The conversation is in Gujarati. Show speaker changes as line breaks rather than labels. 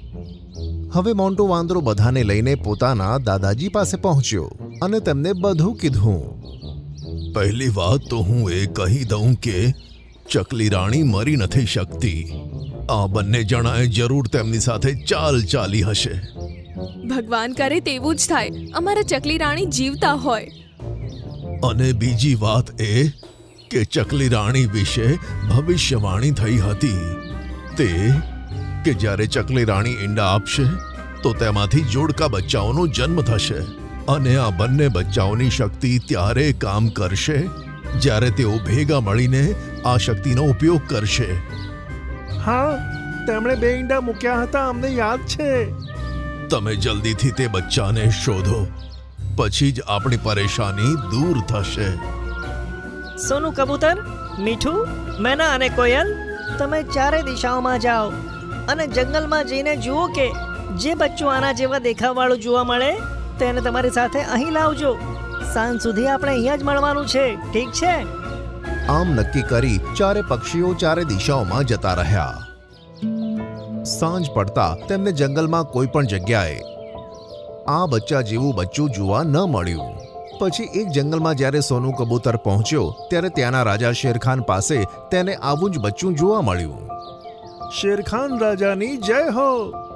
હવે મોન્ટો વાંદરો બધાને લઈને પોતાના દાદાજી પાસે પહોંચ્યો અને તેમને બધું કીધું. પહેલી વાત તો હું એ કહી દઉં કે ચકલી રાણી મરી નથી શકતી. આ બંને જણાએ જરૂર તેમની સાથે ચાલ ચાલી હશે.
ભગવાન કરે તેવું જ થાય. અમારા ચકલી રાણી જીવતા હોય.
અને બીજી વાત એ કે ચકલી રાણી વિશે ભવિષ્યવાણી થઈ હતી તે કે જ્યારે ચકલી રાણી ઈંડા આપશે તો તેમાંથી જોડકા બચ્ચાઓનો જન્મ થશે અને આ બંને બચ્ચાઓની શક્તિ ત્યારે કામ કરશે જ્યારે તેઓ ભેગા મળીને આ શક્તિનો ઉપયોગ કરશે.
હા, તેમણે 2 ઈંડા મૂક્યા હતા, અમને યાદ છે.
તમે જલ્દીથી તે બચ્ચાને શોધો, પછી જ આપણી પરેશાની દૂર થશે.
સોનું કબૂતર, મીઠું, મેના અને કોયલ, તમે ચારે દિશાઓમાં જાઓ અને જંગલમાં જઈને જુઓ કે જે બચ્ચું આના જેવા દેખાવવાળું જોવા મળે તેને તમારી સાથે અહીં લાવજો. સાંજ સુધી આપણે અહીંયા જ મળવાનું છે, ઠીક છે?
આમ નક્કી કરી ચારે પક્ષીઓ ચારે દિશાઓમાં જતા રહ્યા. સાંજ પડતા તેમને જંગલમાં કોઈ પણ જગ્યાએ આ બચ્ચા જેવું બચ્ચું જોવા ન મળ્યું. પછી એક જંગલમાં જ્યારે સોનું કબૂતર પહોંચ્યો ત્યારે ત્યાંના રાજા શેરખાન પાસે તેને આવું જ બચ્ચું જોવા મળ્યું.
શેરખાન રાજાની જય હો.